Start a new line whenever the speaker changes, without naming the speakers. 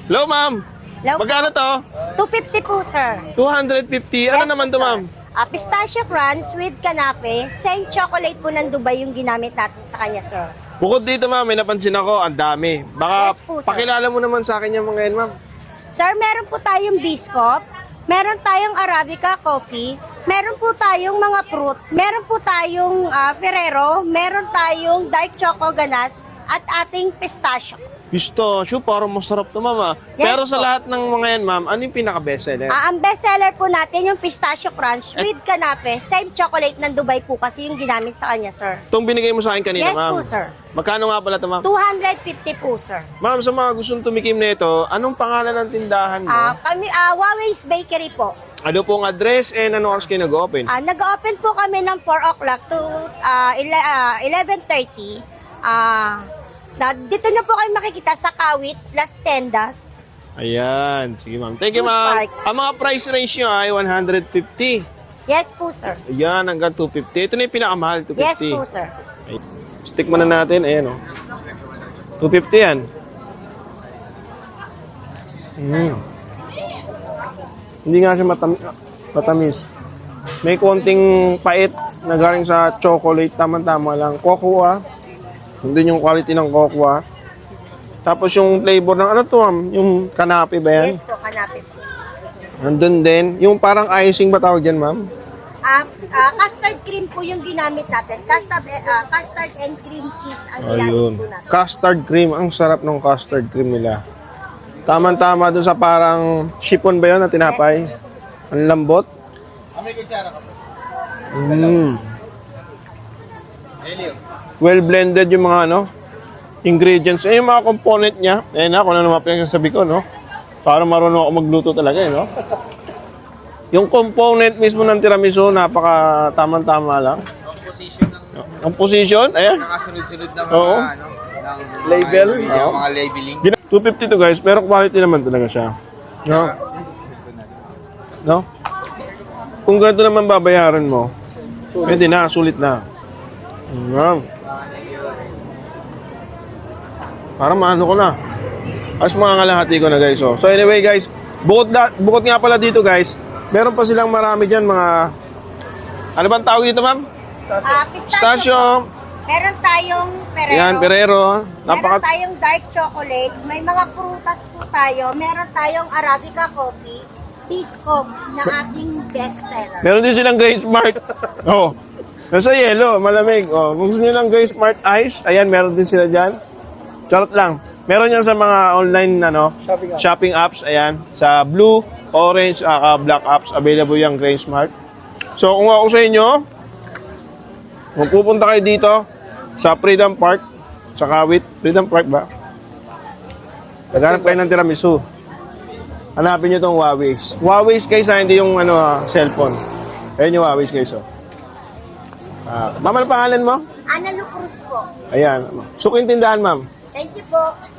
Hello, ma'am.
Hello?
Magkano to?
250 po, sir.
250. Ano
Yes
naman
po,
to,
sir.
ma'am?
Pistachio crunch with kanape. Same chocolate po ng Dubai yung ginamit natin sa kanya, sir.
Bukod dito, ma'am, may napansin ako, ang dami. Baka
Yes po, sir.
pakilala mo naman sa akin yung mga yan, ma'am.
Sir, meron po tayong biscuit, meron tayong Arabica coffee, meron po tayong mga fruit, meron po tayong Ferrero, meron tayong dark choco ganache, at ating pistachio.
Pistachio, parang masarap to, ma'am. Ah.
Yes
Pero sa
po.
lahat ng mga yan, ma'am, ano yung pinaka-bestseller?
Ang bestseller po natin yung pistachio crunch with kanape. Same chocolate ng Dubai po kasi yung ginamit sa kanya, sir.
Itong binigay mo sa akin kanina,
Yes
ma'am.
po, sir.
Magkano nga pala to, ma'am?
250 po, sir.
Ma'am, sa mga gustong tumikim na ito, anong pangalan ng tindahan mo?
Huawei's Bakery po.
Ano pong address and ano oras kayo nag-open?
Nag-open po kami ng 4 o'clock to 11:30. Dito na po kayo makikita sa Kawit, Las Tendas.
Ayan. Sige, ma'am. Thank you,
Food
ma'am.
Park.
Ang mga price range nyo ay 150.
Yes po, sir.
Ayan, hanggang 250. Ito na yung pinakamahal, 250.
Yes po, sir.
Ay, stick muna natin. Ayan, oh. 250 yan. Hindi nga siya matamis. May konting pait na galing sa chocolate. Tama-tama lang. Cocoa. Hindi yung quality ng cocoa. Tapos yung flavor ng ano to, ma'am? Yung kanape ba yan?
Yes po, kanape po.
Nandun din. Yung parang icing ba tawag dyan, ma'am?
Custard cream po yung ginamit natin. Custard and cream cheese ang ginamit
Ayun.
po natin.
Custard cream. Ang sarap ng custard cream nila. Tama-tama dun sa parang chiffon ba yun na tinapay? Ang lambot. Well blended yung mga ano, ingredients. Yung mga component niya. Ayan na, kung ano naman pinagsasabi ko, no? Para marunong ako magluto talaga, eh, no? Yung component mismo ng tiramisu, napaka tamang-tama lang. Ang position, ayan.
Nakasunod-sunod na mga,
Oo.
ano, ng
Label?
mga,
Oo.
mga labeling.
250 to guys, pero quality naman talaga siya. No? No? Kung ganito naman babayaran mo, pwede na, sulit na. Parang maano ko na. As mga kalahati ko na guys. Oh. So anyway guys, bukod nga pala dito guys, meron pa silang marami dyan mga... Ano bang tawag dito, ma'am? Pistachio.
Meron tayong Ferrero.
Yan, Ferrero.
Meron tayong dark chocolate. May mga prutas po tayo. Meron tayong Arabica coffee. Biscoff na ating bestseller.
Meron din silang Grace Smart. Oh. Nasa yellow, malamig. Oh, kung gusto niyo ng Grace Smart Ice, ayan, meron din sila diyan. Charot lang. Meron yan sa mga online shopping apps, ayan. Sa blue, orange, black apps, available yung Grace Smart. So, kung ako sa inyo, magpupunta kayo dito sa Freedom Park, sa Kawit. Freedom Park ba? Naghanap kayo ng tiramisu. Hanapin nyo itong Huawei's. Huawei's guys, hindi yung cellphone. Ayan yung Huawei's guys. Oh. Ma'am, ano pangalan mo?
Ana Lucruz po.
Ayan. Suking tindahan, ma'am.
Thank you po.